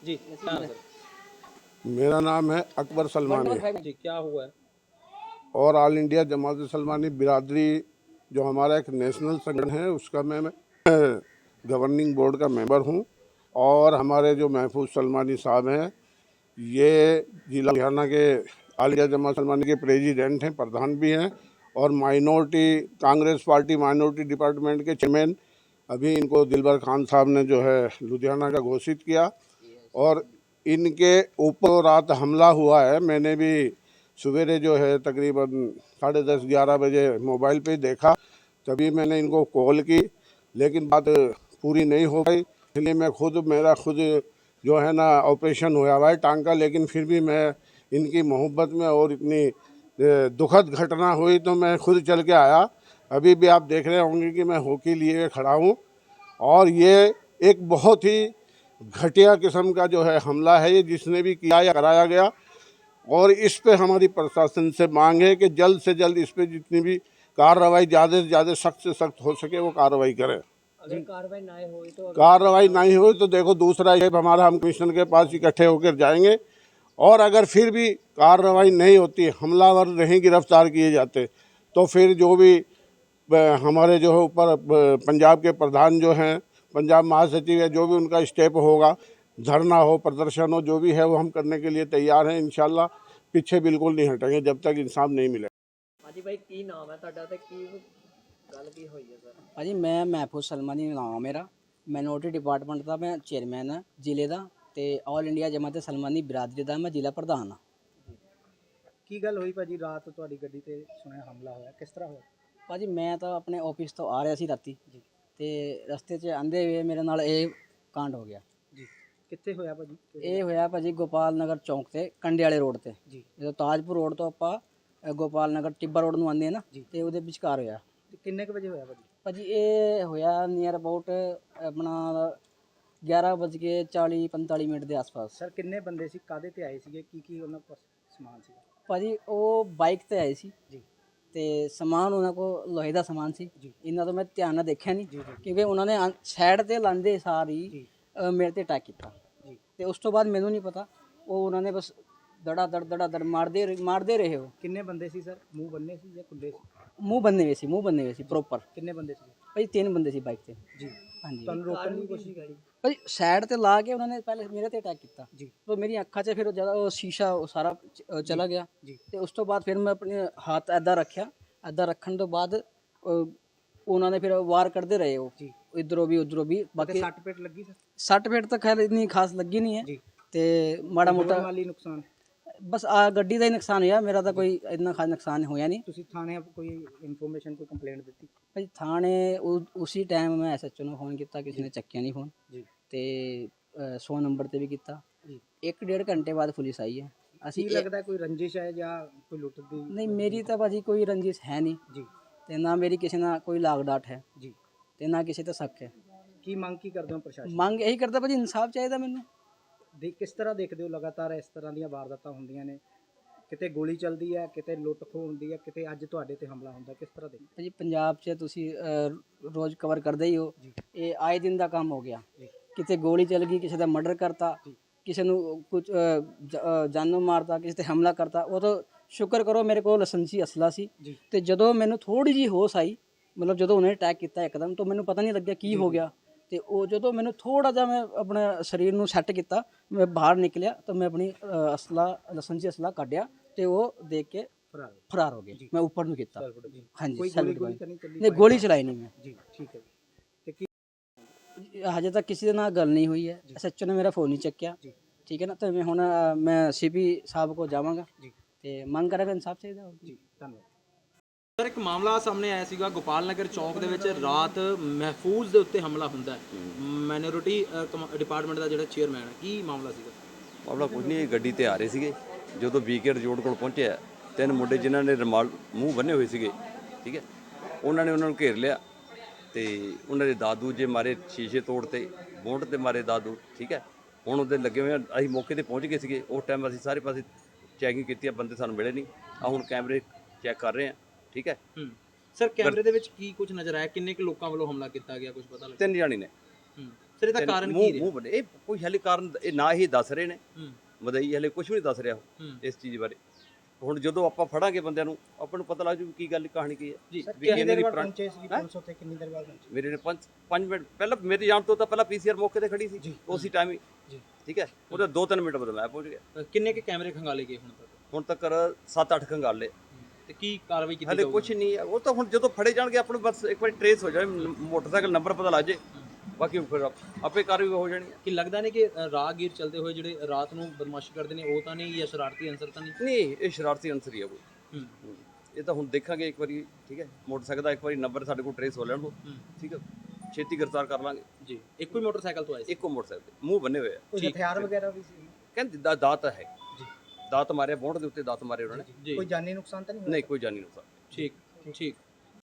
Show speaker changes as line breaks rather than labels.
जी हाँ सर।
मेरा नाम है अकबर सलमानी
जी क्या हुआ है?
और ऑल इंडिया जमात सलमानी बिरादरी जो हमारा एक नेशनल संगठन है उसका मैं गवर्निंग बोर्ड का मेंबर हूं। और हमारे जो महफूज सलमानी साहब हैं ये जिला लुधियाना के ऑल इंडिया जमात सलमानी के प्रेसिडेंट हैं, प्रधान भी हैं और minority Congress party minority department के चेयरमैन। अभी इनको दिलबर खान साहब ने जो है लुधियाना का घोषित किया और इनके ऊपर रात हमला हुआ है। मैंने भी सवेरे जो है तकरीबन 10:30-11 बजे मोबाइल पे देखा, तभी मैंने इनको कॉल की, लेकिन बात पूरी नहीं हो पाई। इसलिए मैं मेरा खुद जो है ना ऑपरेशन हुआ हुआ है टांग का, लेकिन फिर भी मैं इनकी मोहब्बत में और इतनी दुखद घटना हुई तो मैं खुद चल के आया। अभी भी आप देख रहे होंगे कि मैं हॉकी लिए खड़ा हूँ और ये एक बहुत ही घटिया किस्म का जो है हमला है ये, जिसने भी किया या कराया गया। और इस पे हमारी प्रशासन से मांग है कि जल्द से जल्द इस पे जितनी भी कार्रवाई ज़्यादा से ज़्यादा सख्त से सख्त हो सके वो कार्रवाई करें।
अगर कार्रवाई ना हुई तो
कार्रवाई नहीं हुई तो देखो दूसरा ये हमारा हम कमिश्नर के पास इकट्ठे होकर जाएंगे और अगर फिर भी कार्रवाई नहीं होती, हमलावर नहीं गिरफ्तार किए जाते, तो फिर जो भी हमारे जो है ऊपर पंजाब के प्रधान जो हैं, पंजाब महासचिव है, जो भी उनका स्टेप होगा, धरना हो प्रदर्शन हो, जो भी है वो हम करने के लिए तैयार हैं। इंशाल्लाह पीछे बिल्कुल नहीं हटेंगे जब तक इंसाफ नहीं मिले।
हाजी भाई की नाम है ਤੁਹਾਡਾ ਤੇ ਕੀ ਗੱਲ ਕੀ ਹੋਈ ਹੈ ਸਰ?
ਭਾਜੀ ਮੈਂ ਮਹਿਫੂਜ਼ ਸਲਮਾਨੀ ਨਾਮ ਆ ਮੇਰਾ। ਮਾਈਨੋਰਿਟੀ ਡਿਪਾਰਟਮੈਂਟ ਦਾ ਮੈਂ ਚੇਅਰਮੈਨ ਹਾਂ ਜ਼ਿਲ੍ਹੇ ਦਾ ਤੇ ਆਲ ਇੰਡੀਆ ਜਮਾਤ ਸਲਮਾਨੀ ਬਰਾਦਰੀ ਦਾ ਮੈਂ ਜ਼ਿਲ੍ਹਾ ਪ੍ਰਧਾਨ ਹਾਂ।
ਕੀ ਗੱਲ ਹੋਈ ਭਾਜੀ ਰਾਤ ਤੁਹਾਡੀ ਗੱਡੀ ਤੇ ਸੁਣਿਆ ਹਮਲਾ ਹੋਇਆ, ਕਿਸ ਤਰ੍ਹਾਂ ਹੋਇਆ?
ਭਾਜੀ ਮੈਂ ਤਾਂ ਆਪਣੇ ਆਫਿਸ ਤੋਂ ਆ ਰਿਹਾ ਸੀ ਰਾਤੀ
ਜੀ
ਤੇ ਰਸਤੇ 'ਚ ਆਂਦੇ ਹੋਏ ਮੇਰੇ ਨਾਲ ਇਹ ਕਾਂਡ ਹੋ ਗਿਆ
ਜੀ ਕਿੱਥੇ ਹੋਇਆ ਭਾਜੀ?
ਇਹ ਹੋਇਆ ਭਾਜੀ ਗੋਪਾਲ ਨਗਰ ਚੌਂਕ ਤੇ ਕੰਡੇ ਵਾਲੇ ਰੋਡ ਤੇ
ਜੀ
ਜਦੋਂ ਤਾਜਪੁਰ ਰੋਡ ਤੋਂ ਆਪਾਂ ਗੋਪਾਲ ਨਗਰ ਟਿੱਬਾ ਰੋਡ ਨੂੰ ਆਉਂਦੇ ਆ ਨਾ ਤੇ ਉਹਦੇ ਵਿਚਕਾਰ ਹੋਇਆ
ਤੇ ਕਿੰਨੇ ਕੁ ਵਜੇ ਹੋਇਆ ਭਾਜੀ?
ਭਾਜੀ ਇਹ ਹੋਇਆ ਨੀਅਰ ਅਬਾਊਟ ਆਪਣਾ 11:40-45 ਦੇ ਆਸ-ਪਾਸ।
ਸਰ ਕਿੰਨੇ ਬੰਦੇ ਸੀ, ਕਾਦੇ ਤੇ ਆਏ ਸੀਗੇ, ਕੀ ਉਹਨਾਂ ਕੋਲ ਸਮਾਨ ਸੀ?
ਭਾਜੀ ਉਹ ਬਾਈਕ ਤੇ ਆਏ ਸੀ
ਜੀ
ਤੇ ਸਮਾਨ ਉਹਨਾਂ ਕੋਲ ਲੋਹੇ ਦਾ ਸਮਾਨ ਸੀ।
ਜੀ
ਇਹਨਾਂ ਤੋਂ ਮੈਂ ਧਿਆਨ ਨਾਲ ਦੇਖਿਆ ਨਹੀਂ
ਜੀ ਜੀ
ਕਿਉਂਕਿ ਉਹਨਾਂ ਨੇ ਸਾਈਡ ਤੇ ਲਾਂਦੇ ਸਾਰੀ
ਜੀ
ਮੇਰੇ ਤੇ ਅਟੈਕ ਕੀਤਾ
ਜੀ
ਤੇ ਉਸ ਤੋਂ ਬਾਅਦ ਮੈਨੂੰ ਨਹੀਂ ਪਤਾ, ਉਹ ਉਹਨਾਂ ਨੇ ਬਸ ਦੜਾ ਦੜ ਮਾਰਦੇ ਰਹੇ। ਉਹ
ਕਿੰਨੇ ਬੰਦੇ ਸੀ ਸਰ? ਮੂੰਹ ਬੰਨੇ ਸੀ ਜਾਂ ਖੁੱਲੇ ਸੀ?
ਮੂੰਹ ਬੰਨੇ ਹੋਏ ਸੀ ਪ੍ਰੋਪਰ।
ਕਿੰਨੇ ਬੰਦੇ ਸੀ
ਭਾਜੀ 3 ਬੰਦੇ ਸੀ ਬਾਈਕ ਤੇ।
ਜੀ
ਹਾਂਜੀ
ਤੁਹਾਨੂੰ ਰੋਕਣ ਦੀ ਕੋਸ਼ਿਸ਼ ਕੀਤੀ?
ਭਾਜੀ ਸਾਈਡ ਤੇ ਲਾ ਕੇ ਉਹਨਾਂ ਨੇ ਪਹਿਲੇ ਮੇਰੇ ਤੇ ਅਟੈਕ ਕੀਤਾ
ਜੀ
ਤੇ ਮੇਰੀ ਅੱਖਾਂ 'ਚ ਫਿਰ ਉਹ ਜ਼ਿਆਦਾ ਉਹ ਸ਼ੀਸ਼ਾ ਉਹ ਸਾਰਾ ਚਲਾ ਗਿਆ
ਜੀ
ਤੇ ਉਸ ਤੋਂ ਬਾਅਦ ਫਿਰ ਮੈਂ ਆਪਣੇ ਹੱਥ ਐਦਾਂ ਰੱਖਿਆ। ਐਦਾਂ ਰੱਖਣ ਤੋਂ ਬਾਅਦ ਉਹਨਾਂ ਨੇ ਫਿਰ ਵਾਰ ਕਰਦੇ ਰਹੇ ਉਹ
ਜੀ
ਇਧਰੋਂ ਵੀ ਉਧਰੋਂ ਵੀ। ਬਾਕੀ
ਸੱਟ ਪੇਟ ਲੱਗੀ ਸਰ?
ਸੱਟ ਫੇਟ ਤਾਂ ਖੈਰ ਇੰਨੀ ਖਾਸ ਲੱਗੀ ਨਹੀਂ ਹੈ
ਜੀ
ਤੇ ਮਾੜਾ ਮੋਟਾ
ਮਾਲੀ ਨੁਕਸਾਨ?
ਬਸ ਆ ਗੱਡੀ ਦਾ ਹੀ ਨੁਕਸਾਨ ਹੋਇਆ, ਮੇਰਾ ਤਾਂ ਕੋਈ ਇੰਨਾ ਖਾਸ ਨੁਕਸਾਨ ਹੋਇਆ ਨਹੀਂ।
ਤੁਸੀਂ ਥਾਣੇ ਕੋਈ ਇਨਫੋਰਮੇਸ਼ਨ ਕੋਈ ਕੰਪਲੇਂਟ ਦਿੱਤੀ?
ਭਾਈ ਥਾਣੇ ਉਸੇ ਟਾਈਮ ਮੈਂ ਐਸਐਚਓ ਨੂੰ ਫੋਨ ਕੀਤਾ, ਕਿਸੇ ਨੇ ਚੱਕਿਆ ਨਹੀਂ ਫੋਨ
ਜੀ
ਤੇ 100 ਨੰਬਰ ਤੇ ਵੀ ਕੀਤਾ।
ਜੀ
1-1.5 ਘੰਟੇ ਬਾਅਦ ਪੁਲਿਸ ਆਈ ਹੈ।
ਕੀ ਲੱਗਦਾ ਕੋਈ ਰੰਜਿਸ਼ ਹੈ ਜਾਂ ਕੋਈ ਲੁੱਟ ਦੀ?
ਨਹੀਂ ਮੇਰੀ ਤਾਂ ਭਾਜੀ ਕੋਈ ਰੰਜਿਸ਼ ਹੈ ਨਹੀਂ
ਜੀ
ਤੇ ਨਾ ਮੇਰੀ ਕਿਸੇ ਨਾਲ ਕੋਈ ਲਾਗ ਡਾਟ ਹੈ
ਜੀ
ਤੇ ਨਾ ਕਿਸੇ ਤੇ ਸ਼ੱਕ ਹੈ।
ਕੀ ਮੰਗ ਕੀ ਕਰਦੇ ਹੋ ਪ੍ਰਸ਼ਾਸਨ?
ਮੰਗ ਇਹੀ ਕਰਦਾ ਭਾਜੀ, ਇਨਸਾਫ ਚਾਹੀਦਾ ਮੈਨੂੰ।
ਕਿਸ ਤਰ੍ਹਾਂ ਦੇਖਦੇ ਹੋ ਲਗਾਤਾਰ ਇਸ ਤਰ੍ਹਾਂ ਦੀਆਂ ਵਾਰਦਾਤਾਂ ਹੁੰਦੀਆਂ ਨੇ, ਕਿਤੇ ਗੋਲੀ ਚੱਲਦੀ ਹੈ, ਕਿਤੇ ਲੁੱਟ ਖੋਹ ਹੁੰਦੀ ਹੈ, ਕਿਤੇ ਅੱਜ ਤੁਹਾਡੇ ਤੇ ਹਮਲਾ ਹੁੰਦਾ, ਕਿਸ ਤਰ੍ਹਾਂ ਦੇਖਦੇ
ਭਾਜੀ ਪੰਜਾਬ 'ਚ ਤੁਸੀਂ ਰੋਜ਼ ਕਵਰ ਕਰਦੇ ਹੀ ਹੋ,
ਜੀ
ਇਹ ਆਏ ਦਿਨ ਦਾ ਕੰਮ ਹੋ ਗਿਆ।
ਜੀ
ਕਿਤੇ ਗੋਲੀ ਚੱਲ ਗਈ, ਕਿਸੇ ਦਾ ਮਰਡਰ ਕਰਤਾ,
ਜੀ
ਕਿਸੇ ਨੂੰ ਕੁਝ ਜਾਨੋਂ ਮਾਰਤਾ, ਕਿਸੇ ਤੇ ਹਮਲਾ ਕਰਤਾ। ਉਹ ਤਾਂ ਸ਼ੁਕਰ ਕਰੋ ਮੇਰੇ ਕੋਲ ਲਾਇਸੈਂਸੀ ਅਸਲਾ ਸੀ
ਜੀ
ਤੇ ਜਦੋਂ ਮੈਨੂੰ ਥੋੜੀ ਜਿਹੀ ਹੋਸ਼ ਆਈ, ਮਤਲਬ ਜਦੋਂ ਉਹਨੇ ਅਟੈਕ ਕੀਤਾ ਇੱਕਦਮ ਤਾਂ ਮੈਨੂੰ ਪਤਾ ਨਹੀਂ ਲੱਗਿਆ ਕੀ ਹੋ ਗਿਆ ਤੇ ਉਹ ਜਦੋਂ ਮੈਨੂੰ ਥੋੜਾ ਜਿਹਾ ਮੈਂ ਆਪਣੇ ਸਰੀਰ ਨੂੰ ਸੈੱਟ ਕੀਤਾ, ਮੈਂ ਬਾਹਰ ਨਿਕਲਿਆ ਤਾਂ ਮੈਂ ਆਪਣੀ ਲਾਇਸੈਂਸੀ ਅਸਲਾ ਕੱਢਿਆ ਤੇ ਉਹ ਦੇਖ ਕੇ ਫਰਾਰ ਹੋ ਗਏ। ਮੈਂ ਉੱਪਰ ਨੂੰ ਕੀਤਾ।
ਜੀ
ਹਾਂਜੀ
ਕੋਈ
ਸੈਲਫ
ਗੋਲੀ ਤਾਂ ਨਹੀਂ ਚੱਲੀ?
ਨਹੀਂ ਗੋਲੀ ਚਲਾਈ ਨਹੀਂ ਮੈਂ।
ਜੀ ਠੀਕ ਹੈ ਜੀ। ਤੇ ਕੀ
ਹਜੇ ਤੱਕ ਕਿਸੇ ਦੇ ਨਾਲ ਗੱਲ ਨਹੀਂ ਹੋਈ ਹੈ। ਐਸਐਚਓ ਨੇ ਮੇਰਾ ਫੋਨ ਨਹੀਂ ਚੱਕਿਆ।
ਜੀ
ਠੀਕ ਹੈ ਨਾ, ਤੇ ਮੈਂ ਹੁਣ ਮੈਂ ਸੀਪੀ ਸਾਹਿਬ ਕੋਲ ਜਾਵਾਂਗਾ
ਜੀ
ਤੇ ਮੰਗ ਕਰਾਂਗਾ ਇਨਸਾਫ ਚਾਹੀਦਾ।
ਜੀ ਧੰਨਵਾਦ
ਸਰ ਇੱਕ ਮਾਮਲਾ ਸਾਹਮਣੇ ਆਇਆ ਸੀਗਾ ਗੋਪਾਲ ਨਗਰ ਚੌਂਕ ਦੇ ਵਿੱਚ ਰਾਤ ਮਹਿਫੂਜ਼ ਦੇ ਉੱਤੇ ਹਮਲਾ ਹੁੰਦਾ ਹੈ। ਮਾਈਨੋਰਿਟੀ ਡਿਪਾਰਟਮੈਂਟ ਦਾ ਜਿਹੜਾ ਚੇਅਰਮੈਨ ਹੈ, ਕੀ ਮਾਮਲਾ ਸੀਗਾ?
ਮਾਮਲਾ ਕੁਝ ਨਹੀਂ, ਗੱਡੀ ਤੇ ਆ ਰਹੇ ਸੀਗੇ, ਜਦੋਂ ਵੀਕੇ ਰੋਡ ਕੋਲ ਪਹੁੰਚਿਆ 3 ਮੁੰਡੇ ਜਿਨ੍ਹਾਂ ਨੇ ਰੁਮਾਲ ਮੂੰਹ ਬੰਨੇ ਹੋਏ ਸੀਗੇ, ਠੀਕ ਹੈ, ਉਹਨਾਂ ਨੇ ਉਹਨਾਂ ਨੂੰ ਘੇਰ ਲਿਆ ਤੇ ਉਹਨਾਂ ਦੇ ਦਾਦੂ ਜੇ ਮਾਰੇ, ਸ਼ੀਸ਼ੇ ਤੋੜਤੇ, ਬੋਂਡ ਤੇ ਮਾਰੇ ਦਾਦੂ, ਠੀਕ ਹੈ। ਹੁਣ ਉਹਦੇ ਲੱਗੇ ਹੋਏ ਆ, ਅਸੀਂ ਮੌਕੇ ਤੇ ਪਹੁੰਚ ਗਏ ਸੀਗੇ। ਉਸ ਟਾਈਮ ਅਸੀਂ ਸਾਰੇ ਪਾਸੇ ਚੈਕਿੰਗ ਕੀਤੀ ਆ, ਬੰਦੇ ਸਾਨੂੰ ਮਿਲੇ ਨਹੀਂ। ਹੁਣ ਕੈਮਰੇ ਚੈੱਕ ਕਰ ਰਹੇ ਆ, ਠੀਕ ਹੈ।
ਸਰ ਕੈਮਰੇ ਦੇ ਵਿੱਚ ਕੀ ਕੁਝ ਨਜ਼ਰ ਆਇਆ? ਕਿੰਨੇ ਕੁ ਲੋਕਾਂ ਵੱਲੋਂ ਹਮਲਾ ਕੀਤਾ ਗਿਆ, ਕੁਝ ਪਤਾ ਲੱਗਿਆ?
3 ਜਾਣੇ ਨੇ।
ਸਰ ਇਹਦਾ ਕਾਰਨ ਕੀ ਰਿਹਾ?
ਮੂੰਹ ਬੰਨੇ, ਇਹ ਕੋਈ ਹਾਲੇ ਕਾਰਨ ਇਹ ਨਾ ਹੀ ਦੱਸ ਰਹੇ ਨੇ।
ਹੂੰ
ਮਦਈ ਹਲੇ ਕੁਝ ਵੀ ਨਹੀਂ ਦੱਸ ਰਿਹਾ ਉਹ
ਹੂੰ
ਇਸ ਚੀਜ਼ ਬਾਰੇ। ਹੁਣ ਜਦੋਂ ਆਪਾਂ ਫੜਾਂਗੇ ਬੰਦਿਆਂ ਨੂੰ ਆਪਾਂ ਨੂੰ ਪਤਾ ਲੱਗ ਜੂ ਕੀ ਗੱਲ ਕਹਾਣੀ ਕੀ ਹੈ
ਜੀ।
ਸਰ
ਵੀ
ਕਿੰਨੀ
ਇਹਨਾਂ
ਦੇਰ
ਦੀ
ਬਾਅਦ
ਪੁਰਾਣੀ-
ਪਹੁੰਚੇ ਸੀ ਪੁਲਿਸ ਉੱਥੇ, ਕਿੰਨੀ ਦੇਰ ਬਾਅਦ ਪਹੁੰਚੀ?
ਮੇਰੇ ਨੇ 5 ਮਿੰਟ ਪਹਿਲਾਂ ਮੇਰੇ ਜਾਣ ਤੋਂ ਤਾਂ ਪਹਿਲਾਂ ਪੀਸੀਆਰ ਮੌਕੇ ਤੇ ਖੜੀ ਸੀ ਉਸੇ ਟਾਈਮ ਹੀ
ਜੀ।
ਠੀਕ ਹੈ। ਉਹਦੇ 2-3 ਮਿੰਟ ਬਾਅਦ ਮੈਂ ਪਹੁੰਚ ਗਿਆ।
ਕਿੰਨੇ ਕੇ ਕੈਮਰੇ ਖੰਗਾਲੇ ਗਏ ਹੁਣ ਤੱਕ?
ਹੁਣ ਤੱਕ 7-8 ਖੰਗਾਲੇ
ਤੇ ਕੀ ਕਾਰਵਾਈ ਕੀਤੀ
ਹਲੇ
ਜਾਊਗੀ?
ਕੁਝ ਨਹੀਂ ਹੈ। ਉਹ ਤਾਂ ਹੁਣ ਜਦੋਂ ਫੜੇ ਜਾਣਗੇ ਆਪਾਂ ਨੂੰ ਬਸ ਇੱਕ ਵਾਰੀ ਟਰੇਸ ਹੋ ਜਾਏ, ਮੋਟਰਸਾਈਕਲ ਨੰਬਰ ਪਤਾ ਲੱਗ ਜੇ, ਬਾਕੀ ਫਿਰ ਆਪੇ ਕਾਰਵਾਈ ਹੋ ਜਾਣੀ ਹੈ।
ਕਿ ਲੱਗਦਾ ਨਹੀਂ ਕਿ ਰਾਹਗੀਰ ਚੱਲਦੇ ਹੋਏ ਜਿਹੜੇ ਰਾਤ ਨੂੰ ਬਦਮਾਸ਼ੀ ਕਰਦੇ ਨੇ ਉਹ ਤਾਂ ਨਹੀਂ, ਜਾਂ ਸ਼ਰਾਰਤੀ ਅਨਸਰ ਤਾਂ ਨਹੀਂ?
ਨਹੀਂ, ਇਹ ਸ਼ਰਾਰਤੀ ਅਨਸਰ ਹੀ ਆ ਕੋਈ।
ਹੂੰ
ਇਹ ਤਾਂ ਹੁਣ ਦੇਖਾਂਗੇ ਇੱਕ ਵਾਰੀ, ਠੀਕ ਹੈ। ਮੋਟਰਸਾਈਕਲ ਦਾ ਇੱਕ ਵਾਰੀ ਨੰਬਰ ਸਾਡੇ ਕੋਲ ਟਰੇਸ ਹੋ ਲੈਣ ਦੋ, ਠੀਕ ਹੈ। ਛੇਤੀ ਗ੍ਰਿਫਤਾਰ ਕਰ ਲਾਂਗੇ
ਜੀ। ਇੱਕੋ ਹੀ ਮੋਟਰਸਾਈਕਲ ਤੋਂ ਆਏ ਸੀ?
ਇੱਕੋ ਮੋਟਰਸਾਈਕਲ ਤੇ ਮੂੰਹ ਬੰਨੇ ਹੋਏ ਆ।
ਕੋਈ ਹਥਿਆਰ ਵਗੈਰਾ ਵੀ ਸੀ?
ਕਹਿੰਦੇ ਦਾਤ ਹੈ ਜੀ, ਦਾਤ ਮਾਰਿਆ ਬੋਂਡ ਦੇ ਉੱਤੇ, ਦਾਤ ਮਾਰੇ ਉਹਨਾਂ ਨੇ।
ਜੀ।
ਕੋਈ ਜਾਨੀ ਨੁਕਸਾਨ ਤਾਂ ਨਹੀਂ ਹੋਇਆ?
ਨਹੀਂ, ਕੋਈ ਜਾਨੀ ਨੁਕਸਾਨ।
ਠੀਕ ਠੀਕ।